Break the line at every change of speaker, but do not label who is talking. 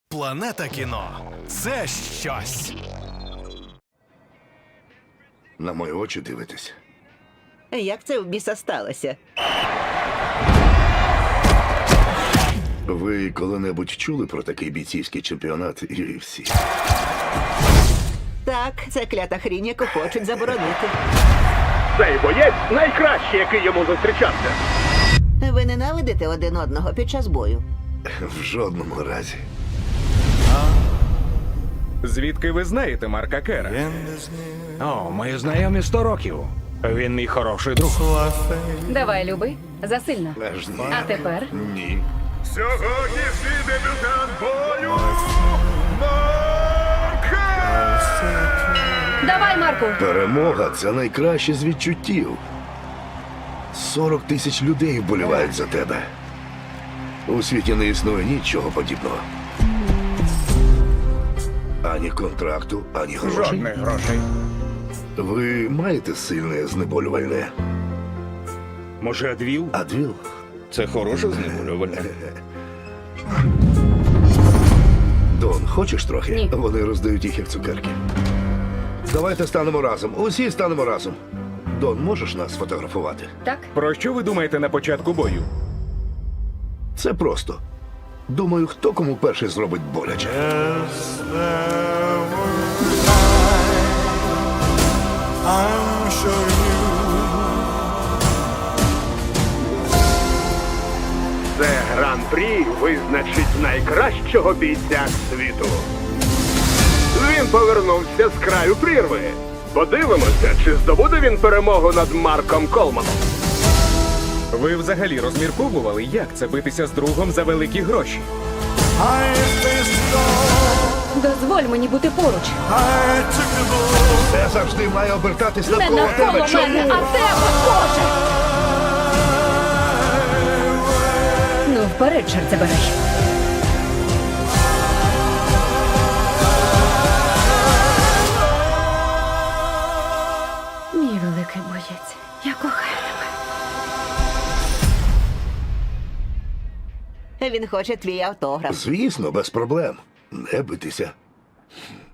Планета кіно – це щось.
На мої очі дивитесь.
Як це в біса сталося?
Ви коли-небудь чули про такий бійцівський чемпіонат UFC?
Так, це клята хрінь, яку хочуть заборонити.
Цей боєць найкращий, який йому зустрічався.
Ви ненавидите один одного під час бою?
В жодному разі.
Звідки ви знаєте Марка Кера? О, ми знайомі 100 років. Він мій хороший друг.
Давай, люби, засильно.
Аж ні.
А тепер
Ні.
Сьогоднішній дебютант бою Марк!
давай, Марку.
Перемога – це найкраще з відчуттів. 40 тисяч людей вболівають за тебе. У світі не існує нічого подібного. Ані контракту, ані грошей.
Жодних грошей.
Ви маєте сильне знеболювальне?
Може, Адвіл?
Адвіл?
Це хороше знеболювальне.
Дон, хочеш трохи?
Ні.
Вони роздають їх як цукерки. Давайте станемо разом. Усі станемо разом. Дон, можеш нас сфотографувати?
Так?
Про що ви думаєте на початку бою?
Це просто. Думаю, хто кому перший зробить боляче.
Це гран-прі визначить найкращого бійця світу. Він повернувся з краю прірви. Подивимося, чи здобуде він перемогу над Марком Колманом.
Ви взагалі розмірковували, як це битися з другом за великі гроші?
Дозволь мені бути поруч.
Все завжди має обертатись
Не
навколо
навколо
тебе. Чому?
мене, а тебе, Боже! Ну, вперед, чорт забирай. Мій великий боєць, я кохаю тебе.
Він хоче твій автограф.
Звісно, без проблем. Не битися.